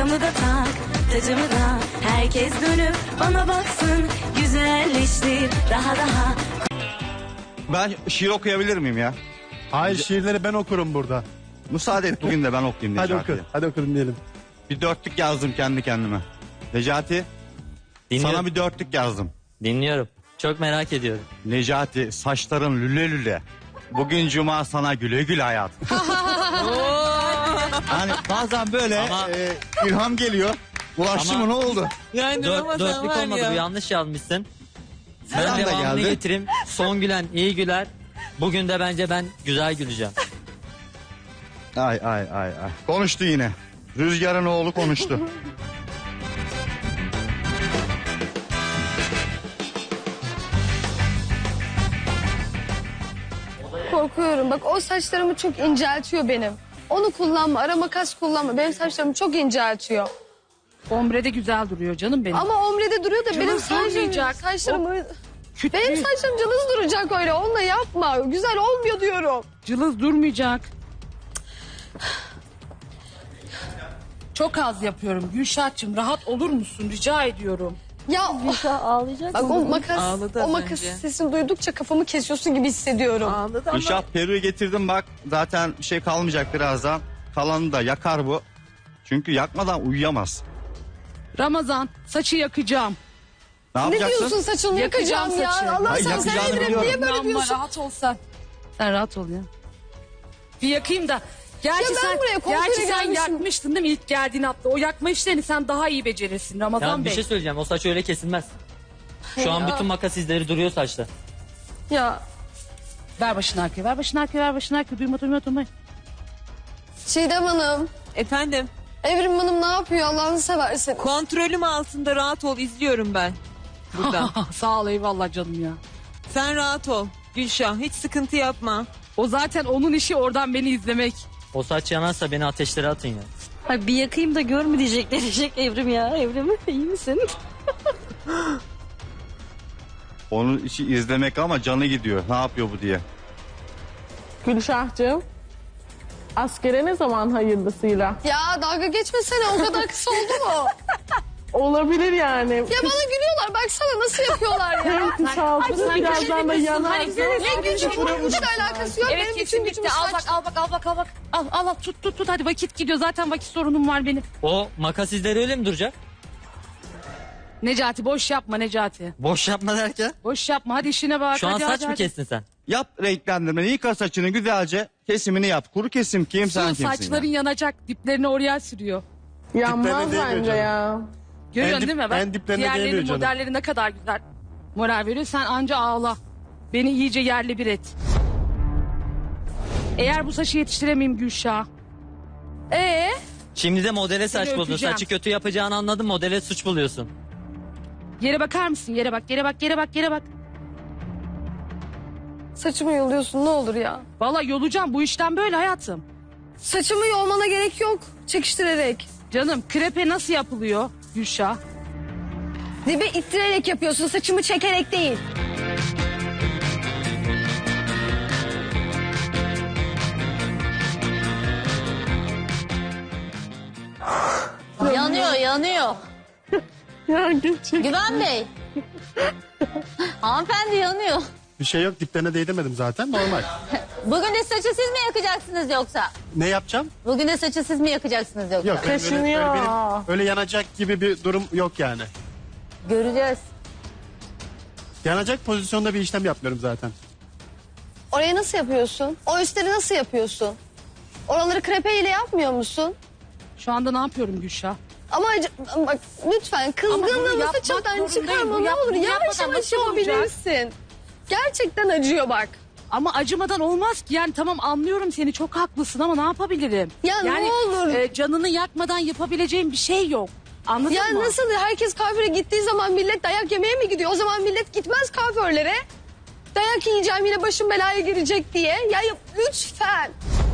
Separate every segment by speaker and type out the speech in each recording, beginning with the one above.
Speaker 1: Tokamı da tak, tacımı da. Herkes dönüp bana baksın. Güzelleştir daha.
Speaker 2: Ben şiir okuyabilir miyim ya?
Speaker 3: Hayır, şiirleri ben okurum burada.
Speaker 2: Müsaade et bugün de ben okuyayım
Speaker 3: Hadi
Speaker 2: Necati'ye.
Speaker 3: oku. Hadi oku dinleyelim.
Speaker 2: Bir dörtlük yazdım kendi kendime. Necati,
Speaker 4: Dinliyorum.
Speaker 2: sana bir dörtlük yazdım.
Speaker 4: Dinliyorum. Çok merak ediyorum.
Speaker 2: Necati, saçların lüle lüle. Bugün cuma, sana güle güle hayat. Yani bazen böyle
Speaker 4: Ama-
Speaker 2: ilham geliyor. Ulaştı
Speaker 4: Ama-
Speaker 2: mı, ne oldu?
Speaker 5: Yani Ramazan
Speaker 4: Dörtlük
Speaker 5: var
Speaker 4: olmadı,
Speaker 5: ya.
Speaker 4: bu yanlış yazmışsın. Ben
Speaker 2: Selam da
Speaker 4: devamını
Speaker 2: geldi.
Speaker 4: getireyim. Son gülen iyi güler. Bugün de bence ben güzel güleceğim.
Speaker 2: Ay. Konuştu yine. Rüzgar'ın oğlu konuştu.
Speaker 6: Korkuyorum. Bak o saçlarımı çok inceltiyor benim. Onu kullanma, ara makas kullanma. Benim saçlarımı çok inceltiyor.
Speaker 7: Ombre de güzel duruyor canım benim.
Speaker 6: Ama omrede duruyor da benim
Speaker 7: Cılız durmayacak.
Speaker 6: saçlarımı...
Speaker 7: Kütlü,
Speaker 6: Benim saçlarım cılız duracak öyle. Onunla yapma. Güzel olmuyor diyorum.
Speaker 7: cılız durmayacak. Çok az yapıyorum Gülşah'cığım, rahat olur musun rica ediyorum.
Speaker 6: Ya
Speaker 8: Ağlayacak
Speaker 6: bak
Speaker 8: mı?
Speaker 6: o makas,
Speaker 5: Ağladı
Speaker 6: o
Speaker 5: az
Speaker 6: makas
Speaker 5: önce.
Speaker 6: sesini duydukça kafamı kesiyorsun gibi hissediyorum.
Speaker 5: Ağladı ama
Speaker 2: Gülşah, peruğu getirdim bak. Zaten bir şey kalmayacak birazdan. Kalanı da yakar bu. Çünkü yakmadan uyuyamaz.
Speaker 7: Ramazan, saçı yakacağım.
Speaker 2: Ne
Speaker 6: Ne
Speaker 2: yapacaksın?
Speaker 6: diyorsun, saçını
Speaker 7: Yakacağım
Speaker 6: yakacağım
Speaker 7: saçı.
Speaker 6: ya. Allah
Speaker 2: Hayır,
Speaker 6: sen sen
Speaker 2: yakacağını
Speaker 6: Edrem
Speaker 2: biliyorum.
Speaker 6: niye böyle
Speaker 7: Ama
Speaker 6: diyorsun?
Speaker 7: rahat ol sen. Sen rahat ol ya. Bir yakayım da. Gerçi
Speaker 6: Ya ben
Speaker 7: sen,
Speaker 6: buraya kuaföre
Speaker 7: gerçi sen
Speaker 6: gelmişim.
Speaker 7: yakmıştın değil mi ilk geldiğin hafta? O yakma işlerini sen daha iyi becerirsin Ramazan
Speaker 4: Ya bir
Speaker 7: Bey.
Speaker 4: şey söyleyeceğim. O saç öyle kesilmez. Şu an bütün makas izleri duruyor saçta.
Speaker 6: Ya
Speaker 7: Ver başını arkaya, ver başını arkaya, ver başını arkaya. Duyma.
Speaker 6: Çiğdem Hanım,
Speaker 5: efendim
Speaker 6: Evrim Hanım ne yapıyor Allah'ını seversen.
Speaker 5: kontrolüm altında, rahat ol, izliyorum ben burada.
Speaker 7: Sağ ol, eyvallah canım ya.
Speaker 5: Sen rahat ol Gülşah, hiç sıkıntı yapma.
Speaker 7: O zaten onun işi, oradan beni izlemek.
Speaker 4: O saç yanarsa beni ateşlere atın ya.
Speaker 8: Ay, bir yakayım da gör mü diyecek Evrim ya. Evrim iyi misin?
Speaker 2: Onun işi izlemek ama canı gidiyor. Ne yapıyor bu diye.
Speaker 9: Gülşah'cığım, askere ne zaman hayırlısıyla?
Speaker 6: Ya dalga geçmesene, o kadar kısa oldu mu?
Speaker 9: Olabilir yani.
Speaker 6: Ya bana gülüyorlar, baksana nasıl yapıyorlar ya.
Speaker 9: Hem kısaltır birazdan da yanar.
Speaker 6: Ne gücüm güçle alakası yok.
Speaker 7: Evet,
Speaker 6: Benim
Speaker 7: kesin
Speaker 6: bütün
Speaker 7: bitti.
Speaker 6: gücüm
Speaker 7: Al
Speaker 6: saç.
Speaker 7: bak. Al tut hadi, vakit gidiyor. Zaten vakit sorunum var benim.
Speaker 4: O makas izleri öyle mi duracak?
Speaker 7: Necati boş yapma Necati.
Speaker 4: Boş yapma derken.
Speaker 7: Boş yapma, hadi işine bak.
Speaker 4: Şu an
Speaker 7: hadi,
Speaker 4: saç
Speaker 7: hadi,
Speaker 4: mı
Speaker 7: hadi.
Speaker 4: kestin sen?
Speaker 2: Yap renklendirmeni. Yıka saçını güzelce. Kesimini yap. Kuru kesim kim, sen
Speaker 7: Su,
Speaker 2: kimsin?
Speaker 7: saçların
Speaker 2: ya?
Speaker 7: yanacak, diplerini oraya sürüyor.
Speaker 9: Yanmaz
Speaker 3: Diplerine değmiyor
Speaker 9: bence
Speaker 3: canım.
Speaker 9: ya.
Speaker 7: Görüyorsun
Speaker 3: En dip-
Speaker 7: değil mi? Bak,
Speaker 3: en diplerine
Speaker 7: diğerlerinin
Speaker 3: değmiyor canım.
Speaker 7: modelleri ne kadar güzel moral veriyor. Sen anca ağla. Beni iyice yerle bir et. Eğer bu saçı yetiştiremeyeyim Gülşah.
Speaker 4: Şimdi de modele saç buldun.
Speaker 7: öpeceğim.
Speaker 4: Saçı kötü yapacağını anladın, modele suç buluyorsun.
Speaker 7: Yere bakar mısın? Yere bak.
Speaker 6: Saçımı yoluyorsun ne olur ya.
Speaker 7: Vallahi yolacağım, bu işten böyle hayatım.
Speaker 6: Saçımı yolmana gerek yok. Çekiştirerek.
Speaker 7: Canım, krepe nasıl yapılıyor Gülşah?
Speaker 6: Dibe ittirerek yapıyorsun, saçımı çekerek değil.
Speaker 8: Yanıyor.
Speaker 9: Ya gerçek.
Speaker 8: Güven Bey. Hanımefendi yanıyor.
Speaker 3: Bir şey yok, diplerine değdirmedim zaten, normal.
Speaker 8: Bugün de saçı siz mi yakacaksınız yoksa?
Speaker 3: Ne yapacağım?
Speaker 8: Bugün de saçı siz mi yakacaksınız yoksa?
Speaker 3: Yok, öyle,
Speaker 9: Kaşınıyor.
Speaker 3: öyle yanacak gibi bir durum yok yani.
Speaker 8: Göreceğiz.
Speaker 3: Yanacak pozisyonda bir işlem yapmıyorum zaten.
Speaker 6: Orayı nasıl yapıyorsun? O üstleri nasıl yapıyorsun? Oraları krepe ile yapmıyor musun?
Speaker 7: Şu anda ne yapıyorum Gülşah?
Speaker 6: Ama bak lütfen
Speaker 7: Ama bunu
Speaker 6: kızgınlığımı
Speaker 7: yapmak
Speaker 6: saçımdan
Speaker 7: zorundayım.
Speaker 6: çıkarma
Speaker 7: Bu
Speaker 6: ne
Speaker 7: yap-
Speaker 6: olur.
Speaker 7: bunu
Speaker 6: Yavaş
Speaker 7: yapmadan
Speaker 6: yavaş
Speaker 7: nasıl olacak?
Speaker 6: yapabilirsin. Gerçekten acıyor bak.
Speaker 7: Ama acımadan olmaz ki. Yani tamam, anlıyorum seni, çok haklısın ama ne yapabilirim?
Speaker 6: Ya ne
Speaker 7: yani,
Speaker 6: olur.
Speaker 7: canını yakmadan yapabileceğim bir şey yok. Anladın
Speaker 6: Ya
Speaker 7: mı?
Speaker 6: nasıl herkes kuaföre gittiği zaman millet dayak yemeye mi gidiyor? O zaman millet gitmez kuaförlere. Dayak yiyeceğim yine başım belaya girecek diye. Ya lütfen.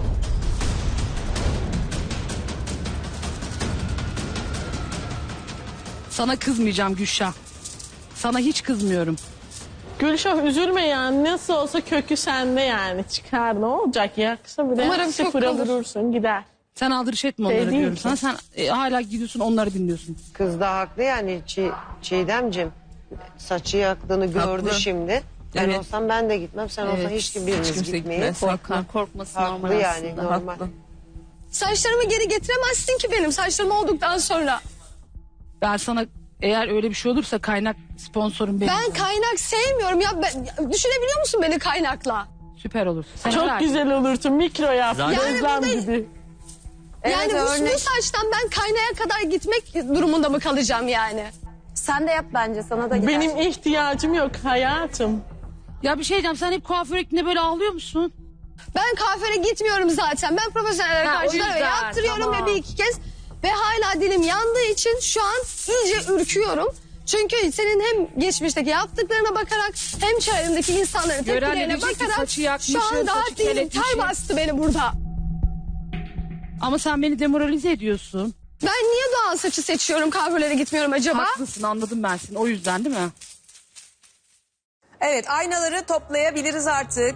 Speaker 7: Sana kızmayacağım Gülşah. Sana hiç kızmıyorum.
Speaker 9: Gülşah üzülme yani, nasıl olsa kökü sende yani. Çıkar, ne olacak, yaksa bile
Speaker 6: Umarım
Speaker 9: sıfıra
Speaker 6: çok kalır.
Speaker 9: vurursun gider.
Speaker 7: Sen aldırış etme onları
Speaker 9: Değil
Speaker 7: diyorum
Speaker 9: ki.
Speaker 7: sana. Sen hala gidiyorsun onları dinliyorsun.
Speaker 10: Kız da haklı yani Çiğdem'cim. Saçı yaktığını gördü
Speaker 5: Haklı.
Speaker 10: şimdi. Ben
Speaker 5: Evet.
Speaker 10: olsam ben de gitmem. Sen olsan hiç biriniz
Speaker 5: kimse
Speaker 10: gitmeyin.
Speaker 5: gitmez. Haklı.
Speaker 8: Korkması normal
Speaker 10: Haklı yani
Speaker 8: aslında.
Speaker 10: normal.
Speaker 5: Haklı.
Speaker 6: Saçlarımı geri getiremezsin ki benim saçlarım olduktan sonra.
Speaker 7: Ben sana eğer öyle bir şey olursa kaynak sponsorum benim.
Speaker 6: Ben kaynak sevmiyorum ya. Düşünebiliyor musun beni kaynakla?
Speaker 7: Süper olur. Sen
Speaker 9: Çok
Speaker 7: merak-
Speaker 9: güzel olursun. Mikro yap.
Speaker 4: Zaten-
Speaker 9: Gözlem
Speaker 6: Yani
Speaker 9: gibi.
Speaker 6: Yani bu saçtan ben kaynaya kadar gitmek durumunda mı kalacağım yani?
Speaker 11: Sen de yap bence sana da gider.
Speaker 9: Benim ihtiyacım yok hayatım.
Speaker 7: Ya bir şey diyeceğim sen hep kuaföre gittiğinde böyle ağlıyor musun?
Speaker 6: Ben kuaföre gitmiyorum zaten. Ben profesyonel
Speaker 7: Ha, o
Speaker 6: arkadaşlara
Speaker 7: yüzden,
Speaker 6: yaptırıyorum
Speaker 7: tamam.
Speaker 6: ve bir iki kez. Ve hala dilim yandığı için şu an iyice ürküyorum. Çünkü senin hem geçmişteki yaptıklarına bakarak hem çevremdeki insanların
Speaker 7: Gören de
Speaker 6: tepkilerine
Speaker 7: diyecek ki
Speaker 6: bakarak
Speaker 7: saçı yakmışım,
Speaker 6: şu an daha
Speaker 7: saçı
Speaker 6: dilim
Speaker 7: keletmişim.
Speaker 6: ter bastı beni burada.
Speaker 7: Ama sen beni demoralize ediyorsun.
Speaker 6: Ben niye doğal saçı seçiyorum kuaförlere gitmiyorum acaba?
Speaker 7: Haklısın anladım ben seni o yüzden değil mi?
Speaker 5: Evet, aynaları toplayabiliriz artık.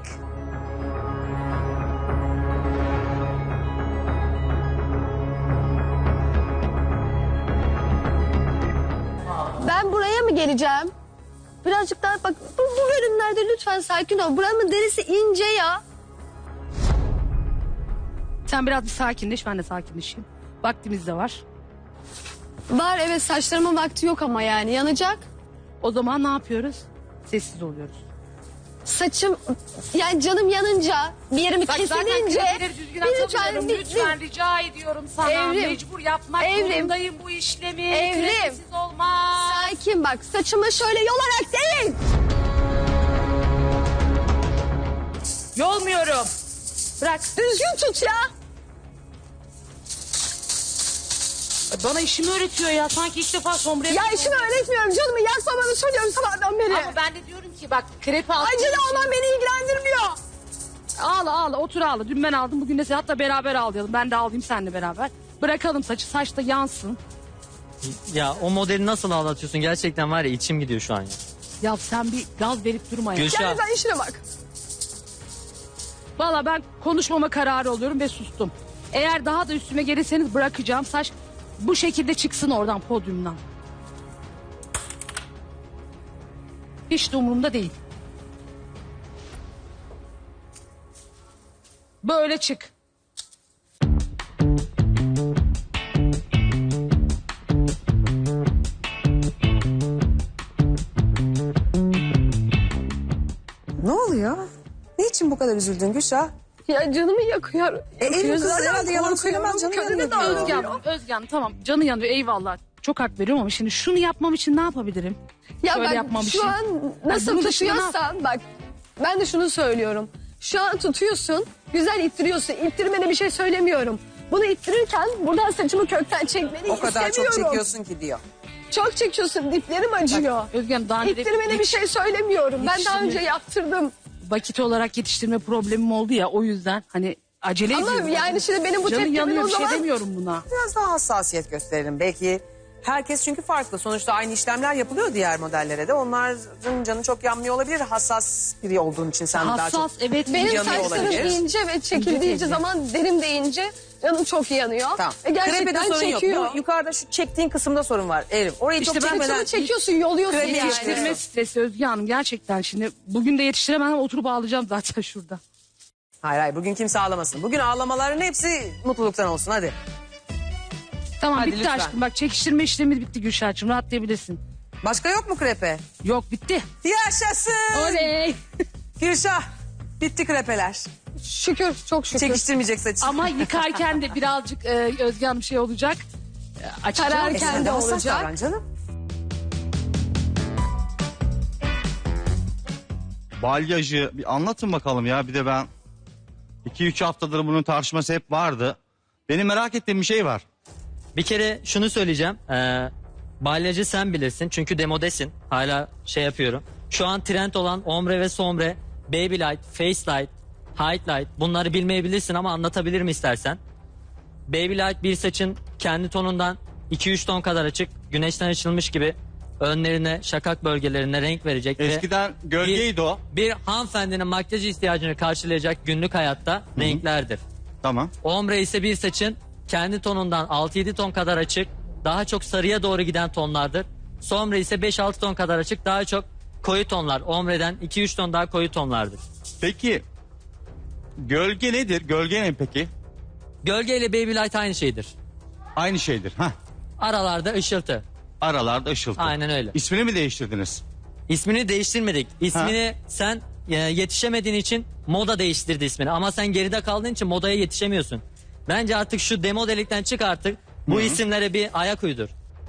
Speaker 6: Ben buraya mı geleceğim? Birazcık daha bak bu bölümlerde lütfen sakin ol. Buranın derisi ince ya.
Speaker 7: Sen biraz bir sakinleş ben de sakinleşeyim. Vaktimiz de var.
Speaker 6: Var evet saçlarımın vakti yok ama yani yanacak.
Speaker 7: O zaman ne yapıyoruz? Sessiz oluyoruz.
Speaker 6: Saçım yani canım yanınca bir yerimi
Speaker 7: Bak zaten
Speaker 6: kesilince
Speaker 7: kredileri düzgün atamıyorum. Lütfen rica ediyorum sana.
Speaker 6: Evrim.
Speaker 7: Mecbur yapmak
Speaker 6: Evrim.
Speaker 7: zorundayım bu işlemi.
Speaker 6: Evrim.
Speaker 7: Kredisiz olmaz.
Speaker 6: sakin bak saçımı şöyle yolarak değil.
Speaker 7: Yolmuyorum. Bırak.
Speaker 6: Düzgün tut ya.
Speaker 7: Bana işimi öğretiyor ya. Sanki ilk defa sombraya...
Speaker 6: Ya işimi öğretmiyorum canımı yakmamanı söylüyorum sabahtan beri.
Speaker 7: Ama ben de diyorum ki bak krepe al.
Speaker 6: Acılı olman beni ilgilendirmiyor.
Speaker 7: Ağla otur ağla. Dün ben aldım bugün de sen hatta beraber ağlayalım. Ben de ağlayayım seninle beraber. Bırakalım saçı saç da yansın.
Speaker 4: Ya o modeli nasıl ağlatıyorsun gerçekten var ya içim gidiyor şu an ya.
Speaker 7: Ya sen bir gaz verip durma ya.
Speaker 4: Gülşah.
Speaker 6: Yani sen işine bak.
Speaker 7: Valla ben konuşmama kararı oluyorum ve sustum. Eğer daha da üstüme gelirseniz bırakacağım saç bu şekilde çıksın oradan podyumdan. Hiç de umurumda değil. Böyle çık.
Speaker 5: Ne oluyor? Niçin bu kadar üzüldün Gülşah?
Speaker 6: Ya canımı yakıyor.
Speaker 5: Elin kız
Speaker 6: Zaten
Speaker 5: herhalde yalan
Speaker 6: korkuyorum.
Speaker 5: söylemez canım
Speaker 6: Kadını
Speaker 5: yanıyor
Speaker 6: da
Speaker 5: diyor.
Speaker 6: ağlıyor.
Speaker 7: Özgen tamam canı yanıyor eyvallah. Çok hak veriyorum ama şimdi şunu yapmam için ne yapabilirim?
Speaker 6: Ya
Speaker 7: Şöyle
Speaker 6: bak
Speaker 7: yapmamışım.
Speaker 6: şu an nasıl
Speaker 7: bunun dışında
Speaker 6: tutuyorsan bak ben de şunu söylüyorum. Şu an tutuyorsun güzel ittiriyorsun. İttirmene bir şey söylemiyorum. Bunu ittirirken buradan saçımı kökten çekmeni
Speaker 5: O kadar çok
Speaker 6: istemiyorum.
Speaker 5: çekiyorsun ki diyor.
Speaker 6: Çok çekiyorsun diplerim acıyor.
Speaker 7: Özgen daha önce
Speaker 6: İttirmene bir şey söylemiyorum. Ben daha önce
Speaker 7: Yetiştirme-
Speaker 6: yaptırdım.
Speaker 7: vakit olarak yetiştirme problemim oldu ya o yüzden hani acele
Speaker 6: Ama
Speaker 7: ediyorum.
Speaker 6: yani şimdi benim bu
Speaker 7: Canı
Speaker 6: tepkimin
Speaker 7: yanıyor
Speaker 6: o
Speaker 7: bir şey
Speaker 6: zaman...
Speaker 7: demiyorum buna.
Speaker 5: Biraz daha hassasiyet gösterelim. Belki herkes çünkü farklı. Sonuçta aynı işlemler yapılıyor diğer modellere de. Onların canı çok yanmıyor olabilir. Hassas biri olduğun için sen daha çok...
Speaker 7: Hassas evet.
Speaker 6: Benim
Speaker 5: yanıyor
Speaker 6: saçlarım
Speaker 5: olabilir.
Speaker 6: ince ve çekildiği
Speaker 7: İnce
Speaker 6: zaman derim de ince. Canım çok yanıyor.
Speaker 5: Tamam.
Speaker 6: Ve
Speaker 5: Krepede
Speaker 6: gerçekten
Speaker 5: sorun
Speaker 6: çekiyor.
Speaker 5: yok. Bu yukarıda şu çektiğin kısımda sorun var. Evrim. Orayı
Speaker 7: İşte
Speaker 5: çok
Speaker 7: ben
Speaker 5: çekmeden...
Speaker 6: Saçımı çekiyorsun, yoluyorsun
Speaker 5: Krepi
Speaker 6: yani.
Speaker 7: Yetiştirme stresi Özge Hanım gerçekten şimdi bugün de yetiştiremem oturup ağlayacağım zaten şurada.
Speaker 5: Hayır hayır, bugün kimse ağlamasın. Bugün ağlamaların hepsi mutluluktan olsun hadi.
Speaker 7: Tamam
Speaker 5: Hadi
Speaker 7: bitti
Speaker 5: lütfen.
Speaker 7: aşkım bak çekiştirme işlemi bitti Gülşah'cığım rahatlayabilirsin.
Speaker 5: Başka yok mu krepe?
Speaker 7: Yok bitti.
Speaker 5: Yaşasın.
Speaker 7: Oley.
Speaker 5: Gülşah bitti krepeler.
Speaker 6: Şükür, çok şükür.
Speaker 5: Çekiştirmeyecek saçı.
Speaker 7: Ama yıkarken de birazcık Özge Hanım şey olacak. Açacağım.
Speaker 6: Kararken
Speaker 5: Sen
Speaker 6: de
Speaker 5: hassas
Speaker 6: olacak.
Speaker 5: davran canım.
Speaker 2: Balyajı bir anlatın bakalım ya. Bir de ben 2-3 haftadır bunun tartışması hep vardı. Benim merak ettiğim bir şey var.
Speaker 4: Bir kere şunu söyleyeceğim. Balyajı sen bilirsin çünkü demodesin. Hala şey yapıyorum. Şu an trend olan ombre ve sombre, baby light, face light, highlight bunları bilmeyebilirsin ama anlatabilirim istersen. Baby light bir saçın kendi tonundan 2-3 ton kadar açık, güneşten açılmış gibi önlerine, şakak bölgelerine renk verecek ve
Speaker 2: Eskiden gölgeydi o.
Speaker 4: bir hanımefendinin makyaj ihtiyacını karşılayacak günlük hayatta renklerdir.
Speaker 2: Tamam.
Speaker 4: Ombre ise bir saçın kendi tonundan 6-7 ton kadar açık, daha çok sarıya doğru giden tonlardır. Sombre ise 5-6 ton kadar açık, daha çok koyu tonlar. Ombre'den 2-3 ton daha koyu tonlardır.
Speaker 2: Peki gölge nedir? Gölge ne peki?
Speaker 4: Gölge ile Baby Light aynı şeydir.
Speaker 2: Aynı şeydir. Hah.
Speaker 4: Aralarda ışıltı.
Speaker 2: Aralarda ışıltı.
Speaker 4: Aynen öyle.
Speaker 2: İsmini mi değiştirdiniz?
Speaker 4: İsmini değiştirmedik. İsmini sen yetişemediğin için moda değiştirdi ismini. Ama sen geride kaldığın için modaya yetişemiyorsun. Bence artık şu demo delikten çık artık. Bu isimlere bir ayak uydur.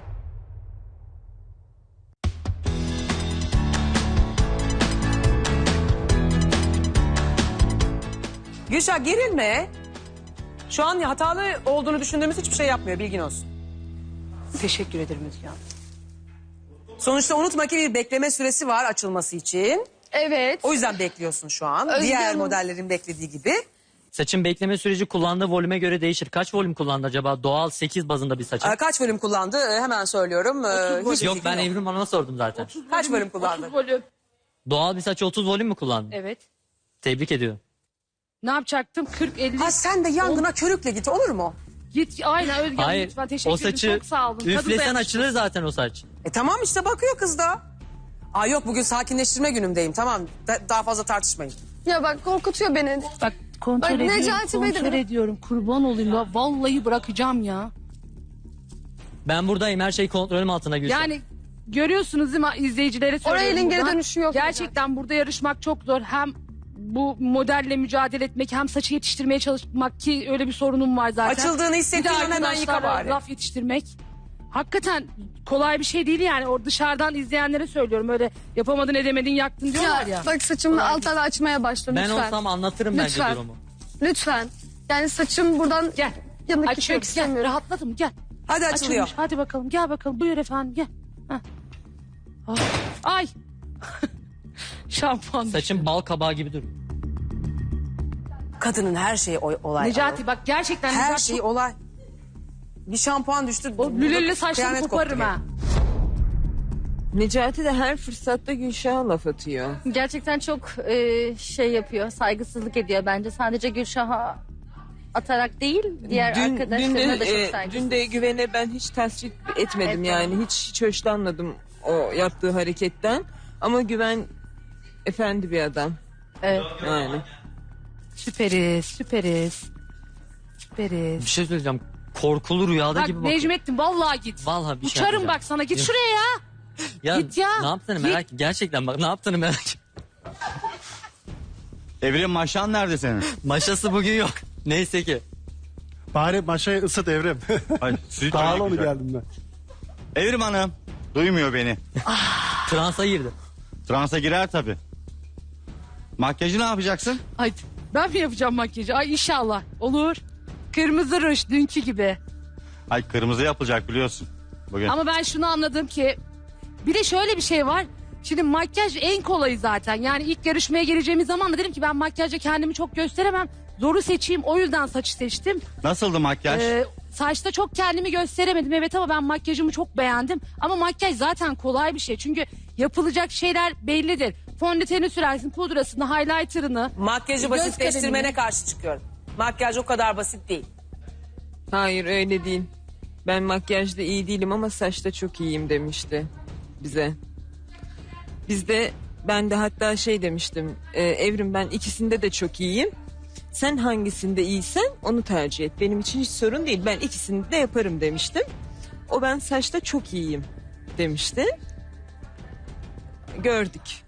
Speaker 5: Gülşah gerilme. Şu an hatalı olduğunu düşündüğümüz hiçbir şey yapmıyor, bilgin olsun.
Speaker 7: Teşekkür ederim Özge Hanım.
Speaker 5: Sonuçta unutma ki bir bekleme süresi var açılması için.
Speaker 6: Evet.
Speaker 5: O yüzden bekliyorsun şu an.
Speaker 6: Özge
Speaker 5: Diğer
Speaker 6: Hanım.
Speaker 5: modellerin beklediği gibi.
Speaker 4: Saçın bekleme süreci kullandığı volüme göre değişir. Kaç volüm kullandı acaba? Doğal 8 bazında bir saçın.
Speaker 5: Kaç bölüm kullandı? Hemen söylüyorum. Hiçbir
Speaker 4: Yok
Speaker 5: fikrim
Speaker 4: ben Evrim Hanım'a sordum zaten.
Speaker 5: Kaç bölüm kullandı?
Speaker 7: 30 volüm.
Speaker 4: Doğal bir saçı 30 volüm mü kullandı?
Speaker 7: Evet.
Speaker 4: Tebrik ediyorum.
Speaker 7: Ne yapacaktım? 40-50.
Speaker 5: Ha sen de yangına körükle git, olur mu?
Speaker 7: Git aynen Özge Hanım,
Speaker 4: Hayır
Speaker 7: lütfen teşekkür
Speaker 4: o
Speaker 7: ederim.
Speaker 4: saçı
Speaker 7: Çok sağ olun. Tadı
Speaker 4: üflesen
Speaker 7: dayanışması.
Speaker 4: açılır zaten o saç.
Speaker 5: Tamam işte bakıyor kız da. Yok bugün sakinleştirme günümdeyim, tamam. Daha fazla tartışmayın.
Speaker 6: Ya bak korkutuyor beni.
Speaker 7: Bak kontrol
Speaker 6: Bak,
Speaker 7: ediyorum,
Speaker 6: Necati Bey de
Speaker 7: kontrol
Speaker 6: biraz-
Speaker 7: ediyorum. Kurban olayım ya. Vallahi bırakacağım ya.
Speaker 4: Ben buradayım, her şey kontrolüm altında Gülşen.
Speaker 7: Yani görüyorsunuz değil mi, izleyicilere söylüyorum.
Speaker 6: Oraya elin geri
Speaker 7: buradan.
Speaker 6: dönüşü yok.
Speaker 7: Gerçekten burada yarışmak çok zor. Hem bu modelle mücadele etmek, hem saçı yetiştirmeye çalışmak, ki öyle bir sorunum var zaten.
Speaker 5: Açıldığını
Speaker 7: Bir de
Speaker 5: hissettiğin hemen yıka
Speaker 7: arkadaşlara
Speaker 5: bari.
Speaker 7: laf yetiştirmek. Hakikaten kolay bir şey değil yani. O dışarıdan izleyenlere söylüyorum. Öyle yapamadın edemedin yaktın diyorlar ya.
Speaker 6: Bak saçımı alttan açmaya başla
Speaker 4: Ben
Speaker 6: lütfen.
Speaker 4: olsam anlatırım bence
Speaker 6: Lütfen.
Speaker 4: durumu.
Speaker 6: Lütfen. Yani saçım buradan
Speaker 7: Gel.
Speaker 6: yanık
Speaker 7: Açıyorum.
Speaker 6: gitmek
Speaker 7: Gel.
Speaker 6: istemiyorum.
Speaker 7: Rahatladım. Gel.
Speaker 5: Hadi açılıyor.
Speaker 7: Açılmış. Hadi bakalım. Gel bakalım. Buyur efendim. Gel. Heh. Ah. Ay. Şampuan.
Speaker 4: Saçın bal kabağı gibi duruyor.
Speaker 5: Kadının her şeyi olay.
Speaker 7: Necati bak gerçekten
Speaker 5: Her
Speaker 7: Necati
Speaker 5: şey olay. Bir şampuan düştü.
Speaker 7: o lülüllü saçları
Speaker 5: kıyamet
Speaker 7: koparırım
Speaker 5: koptu.
Speaker 7: ha.
Speaker 12: Necati de her fırsatta Gülşah'a laf atıyor.
Speaker 11: Gerçekten çok şey yapıyor, saygısızlık ediyor bence. Sadece Gülşah'a atarak değil, diğer arkadaşlarına da çok saygısız.
Speaker 12: Dün de Güven'e ben hiç tasvip etmedim
Speaker 11: Evet,
Speaker 12: yani. Hiç hoşlanmadım o yaptığı hareketten. Ama Güven efendi bir adam.
Speaker 11: Evet.
Speaker 12: Yani.
Speaker 7: Süperiz. Süperiz. Süperiz.
Speaker 4: Bir şey söyleyeceğim. Korkulu rüyada
Speaker 7: Bak
Speaker 4: gibi bakıyor.
Speaker 7: Necmettin vallahi git.
Speaker 4: Vallahi bir şey
Speaker 7: Uçarım
Speaker 4: yapacağım.
Speaker 7: bak sana, git şuraya ya.
Speaker 4: Ya,
Speaker 7: Git ya.
Speaker 4: Ne yaptığını
Speaker 7: Git.
Speaker 4: merak gerçekten bak ne yaptığını merak
Speaker 2: Evrim maşan nerede senin?
Speaker 4: Maşası bugün yok. Neyse ki.
Speaker 3: Bari maşayı ısıt Evrim.
Speaker 2: Ay, süt
Speaker 3: Pahalı
Speaker 2: öyle
Speaker 3: onu
Speaker 2: güzel.
Speaker 3: geldim ben.
Speaker 2: Evrim Hanım. Duymuyor beni.
Speaker 4: Transa girdi.
Speaker 2: Transa girer tabii. Makyajı ne yapacaksın?
Speaker 7: Ay ben mi yapacağım makyajı? Ay inşallah. Olur. Kırmızı ruj dünkü gibi.
Speaker 2: Ay kırmızı yapılacak biliyorsun. Bugün.
Speaker 7: Ama ben şunu anladım ki bir de şöyle bir şey var. Şimdi makyaj en kolayı zaten. Yani ilk yarışmaya geleceğimiz zaman da dedim ki ben makyajla kendimi çok gösteremem. Zoru seçeyim, o yüzden saçı seçtim.
Speaker 2: Nasıldı makyaj?
Speaker 7: Saçta çok kendimi gösteremedim evet, ama ben makyajımı çok beğendim. Ama makyaj zaten kolay bir şey. Çünkü yapılacak şeyler bellidir. Fondöteni sürersin, pudrasını, highlighter'ını.
Speaker 5: Makyajı
Speaker 7: göz
Speaker 5: basitleştirmene
Speaker 7: kalemini.
Speaker 5: karşı çıkıyorum. Makyaj o kadar basit değil.
Speaker 12: Hayır öyle değil. Ben makyajda iyi değilim ama saçta çok iyiyim demişti bize. Ben de hatta şey demiştim. Evrim ben ikisinde de çok iyiyim. Sen hangisinde iyisen onu tercih et. Benim için hiç sorun değil. Ben ikisini de yaparım demiştim. O ben saçta çok iyiyim demişti. Gördük.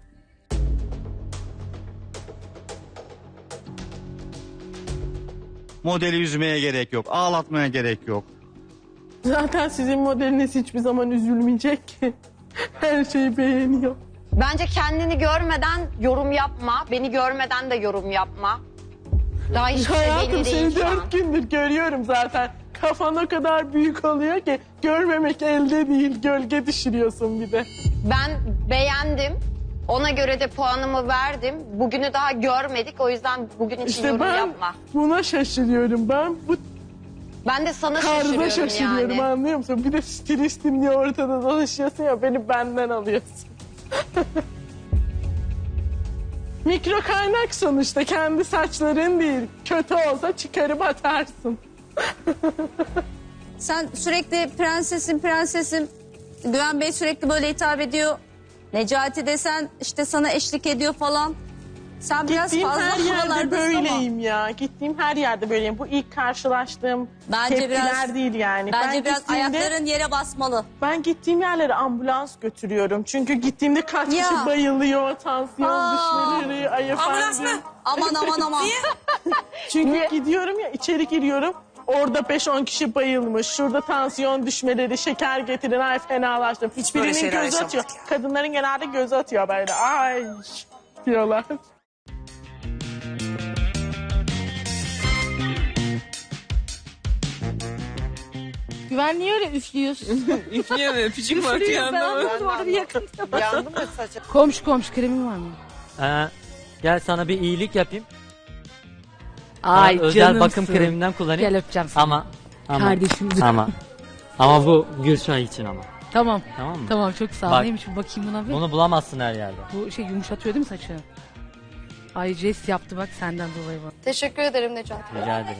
Speaker 2: Modeli üzmeye gerek yok. Ağlatmaya gerek yok.
Speaker 9: Zaten sizin modeliniz hiçbir zaman üzülmeyecek ki. Her şeyi beğeniyor.
Speaker 11: Bence kendini görmeden yorum yapma. Beni görmeden de yorum yapma. Daha hiçbir şey
Speaker 9: Hayatım
Speaker 11: belli değil
Speaker 9: seni
Speaker 11: şu an.
Speaker 9: 4 gündür görüyorum zaten. Kafan o kadar büyük oluyor ki görmemek elde değil. Gölge düşürüyorsun bir de.
Speaker 11: Ben beğendim. Ona göre de puanımı verdim. Bugünü daha görmedik. O yüzden bugün için
Speaker 9: İşte
Speaker 11: yorum
Speaker 9: ben
Speaker 11: yapma.
Speaker 9: buna şaşırıyorum. Ben bu
Speaker 11: Ben de sana
Speaker 9: tarzda
Speaker 11: şaşırıyorum
Speaker 9: şaşırıyorum
Speaker 11: yani.
Speaker 9: anlıyor musun? Bir de stilistim diye ortada dolaşıyorsun ya, beni benden alıyorsun. Mikro kaynak sonuçta, kendi saçların değil. Kötü olsa çıkarıp atarsın.
Speaker 11: Sen sürekli prensesim prensesim. Güven Bey sürekli böyle hitap ediyor. Necati desen işte sana eşlik ediyor falan. Sen biraz
Speaker 9: Gittiğim
Speaker 11: fazla
Speaker 9: her yerde
Speaker 11: havalardasın ama.
Speaker 9: böyleyim ya. Gittiğim her yerde böyleyim. Bu ilk karşılaştığım
Speaker 11: Bence
Speaker 9: tepkiler
Speaker 11: biraz-
Speaker 9: değil yani.
Speaker 11: Bence
Speaker 9: Ben
Speaker 11: biraz
Speaker 9: gittiğimde-
Speaker 11: ayakların yere basmalı.
Speaker 9: Ben gittiğim yerlere ambulans götürüyorum. Çünkü gittiğimde kaç
Speaker 11: Ya.
Speaker 9: kişi bayılıyor, tansiyon düşmeleri, ay efendim.
Speaker 11: Aman aman aman.
Speaker 9: Çünkü gidiyorum ya, içeri giriyorum. Orada 5-10 kişi bayılmış. Şurada tansiyon düşmeleri, şeker getirin. Ay fenalaştım.
Speaker 5: Hiç böyle
Speaker 9: Birinin
Speaker 5: şeyler
Speaker 9: gözü atıyor.
Speaker 5: yaşamadık
Speaker 9: Kadınların genelde gözü atıyor böyle. Ay diyorlar.
Speaker 7: Güven niye öyle üflüyorsun?
Speaker 12: Üflüyor mu? Öpücük mü atıyor anlamadım.
Speaker 11: Orada bir yakın.
Speaker 5: Yandı mı saçın?
Speaker 7: komşu kremin var mı?
Speaker 4: Gel sana bir iyilik yapayım.
Speaker 7: Ay
Speaker 4: Sana özel
Speaker 7: canımsın.
Speaker 4: bakım kreminden kullanayım.
Speaker 7: Gel öpeceğim seni.
Speaker 4: Ama
Speaker 7: Kardeşim.
Speaker 4: ama bu Gülşah için ama.
Speaker 7: Tamam.
Speaker 4: Tamam mı?
Speaker 7: Tamam çok sağ ol.
Speaker 4: Bak.
Speaker 7: Neymiş bu bakayım buna bir.
Speaker 4: Bunu bulamazsın her yerde.
Speaker 7: Bu şey yumuşatıyor değil mi saçı? Ay jest yaptı bak senden dolayı bak.
Speaker 6: Teşekkür ederim Necati.
Speaker 4: Rica ederim.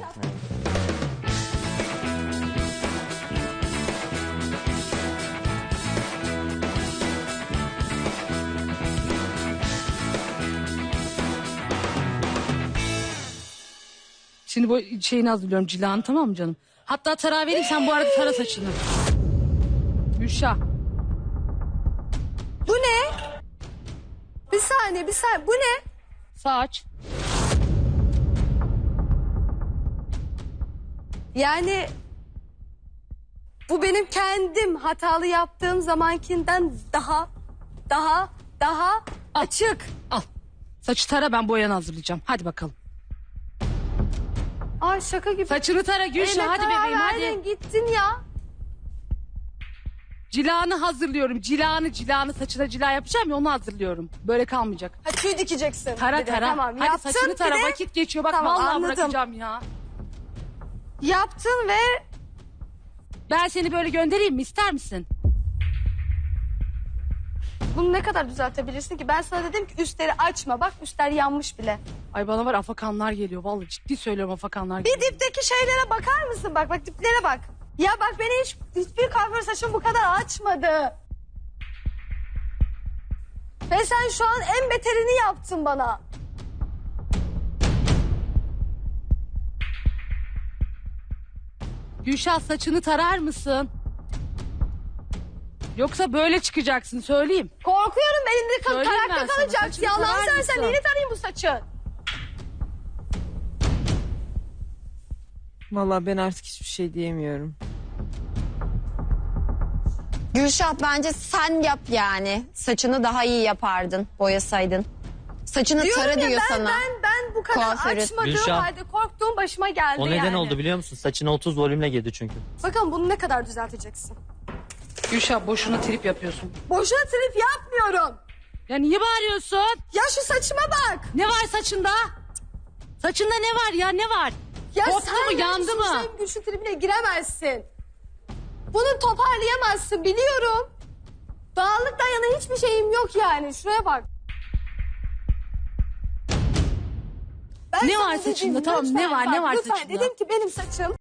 Speaker 7: Şimdi bu şeyini hazırlıyorum cilanı tamam mı canım? Hatta tarağı vereyim sen bu arada tara saçını. Gülşah.
Speaker 6: Bu ne? Bir saniye. Bu ne?
Speaker 7: Saç.
Speaker 6: Yani bu benim kendim hatalı yaptığım zamankinden daha açık.
Speaker 7: Al. Saçı tara ben boyanı hazırlayacağım. Hadi bakalım.
Speaker 6: Ay şaka gibi.
Speaker 7: Saçını tara Gülşah
Speaker 6: Eline
Speaker 7: hadi
Speaker 6: karar
Speaker 7: bebeğim
Speaker 6: verdin,
Speaker 7: hadi.
Speaker 6: gittin ya.
Speaker 7: Cilanı hazırlıyorum. Cilanı saçına cila yapacağım ya onu hazırlıyorum. Böyle kalmayacak.
Speaker 6: Ha, tüy dikeceksin.
Speaker 7: Tara
Speaker 6: Bir de.
Speaker 7: tara.
Speaker 6: Tamam,
Speaker 7: hadi
Speaker 6: yaptın,
Speaker 7: saçını tara
Speaker 6: bir de-
Speaker 7: vakit geçiyor bak
Speaker 6: Tamam,
Speaker 7: vallahi
Speaker 6: anladım.
Speaker 7: bırakacağım ya.
Speaker 6: Yaptın ve
Speaker 7: Ben seni böyle göndereyim mi ister misin?
Speaker 6: bunu ne kadar düzeltebilirsin ki? Ben sana dedim ki üstleri açma. Bak üstler yanmış bile.
Speaker 7: Ay bana var afakanlar geliyor. Vallahi ciddi söylüyorum afakanlar
Speaker 6: Bir
Speaker 7: geliyor.
Speaker 6: dipteki şeylere bakar mısın? Bak diplere bak. Ya bak beni hiçbir kuaför saçım bu kadar açmadı. Ve sen şu an en beterini yaptın bana.
Speaker 7: Gülşah saçını tarar mısın? Yoksa böyle çıkacaksın söyleyeyim.
Speaker 6: Korkuyorum elimde
Speaker 7: Söyleyeyim ben
Speaker 6: tarakta
Speaker 7: sana,
Speaker 6: kalacak.
Speaker 7: saçını
Speaker 6: Ya Allah'ını
Speaker 7: tarar
Speaker 6: seversen
Speaker 7: mısın?
Speaker 6: neyini tarayayım bu saçı?
Speaker 12: Vallahi ben artık hiçbir şey diyemiyorum.
Speaker 13: Gülşah bence sen yap yani. Saçını daha iyi yapardın boyasaydın. Saçını
Speaker 6: Diyorum
Speaker 13: tara
Speaker 6: ya
Speaker 13: diyor sana.
Speaker 6: ben bu kadar
Speaker 13: Kuaförü.
Speaker 6: açmadığım
Speaker 4: Gülşah.
Speaker 6: halde korktuğum başıma geldi
Speaker 4: O neden
Speaker 6: yani.
Speaker 4: oldu biliyor musun? Saçına 30 volümle girdi çünkü.
Speaker 6: Bakalım bunu ne kadar düzelteceksin?
Speaker 7: Gülşah boşuna trip yapıyorsun.
Speaker 6: Boşuna trip yapmıyorum.
Speaker 7: Ya niye bağırıyorsun?
Speaker 6: Ya şu saçıma bak.
Speaker 7: Ne var saçında? Saçında ne var ya ne var?
Speaker 6: Ya
Speaker 7: Koptu
Speaker 6: sen
Speaker 7: mu yandı mı?
Speaker 6: Hüseyin Gülşün tribine giremezsin. Bunu toparlayamazsın biliyorum. Dağınıktan yana hiçbir şeyim yok yani. Şuraya bak. Ben
Speaker 7: Ne
Speaker 6: sana
Speaker 7: var
Speaker 6: dedim,
Speaker 7: saçında? Tamam,
Speaker 6: lütfen
Speaker 7: ne var,
Speaker 6: bak,
Speaker 7: ne var
Speaker 6: lütfen.
Speaker 7: saçında?
Speaker 6: Dedim ki benim saçım